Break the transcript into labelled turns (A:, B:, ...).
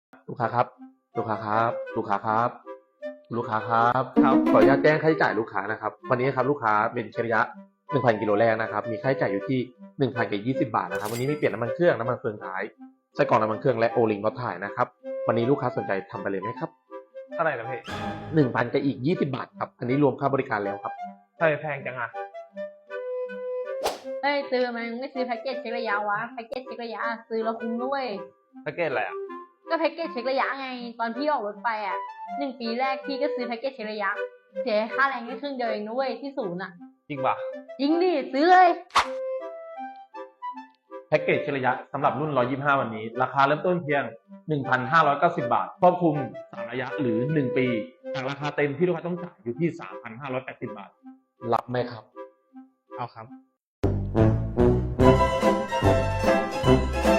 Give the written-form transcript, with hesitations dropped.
A: ลูกค้าครับลูกค้าครับลูกค้าครับลูกค้าครับ
B: ครับ
A: ขออนุญาตแจ้งค่าใช้จ่ายลูกค้านะครับวันนี้ครับลูกค้าเป็นเชริยะ1,000 กิโลแรกนะครับมีค่าใช้จ่ายอยู่ที่1,020 บาทนะครับวันนี้มีเปลี่ยนน้ำมันเครื่องน้ำมันเฟืองท้ายไส้กรองน้ำมันเครื่องและโอลิงรถถ่ายนะครับวันนี้ลูกค้าสนใจทำไปเลยไหมครับ
B: เท่าไหร่นะพี่
A: 1,000กับอีก20 บาทครับอันนี้รวมค่าบริการแล้วครับ
B: ทำไมแพงจังอ่ะ
C: เอ้ยซื้อมันไม่ซื้อแพ็กเกจเช็คระยะวะแพ็กเกจเช็คระยะซื้อแล้วคุ้มด้วย
B: แพ็กเกจอะไรอ่ะ
C: ก็แพ็กเกจเช็คระยะไงตอนพี่ออกรถไปอ่ะ1 ปีแรกพี่ก็ซื้อแพ็กเกจเช็คระยะเสียค่าแรงแค่ครึ่งเดียวเองนุ้ยที่ศูนย์อ่ะ
B: จริงป่ะ
C: จริงดิซื้อเลย
A: แพ็กเกจเฉลี่ยสำหรับรุ่น 125 วันนี้ ราคาเริ่มต้นเพียง 1,590 บาทครอบคลุม 3 ระยะหรือ 1 ปีจากราคาเต็มที่ลูกค้าต้องจ่ายอยู่ที่ 3,580 บาท รับไหมครับ
B: เอาครับ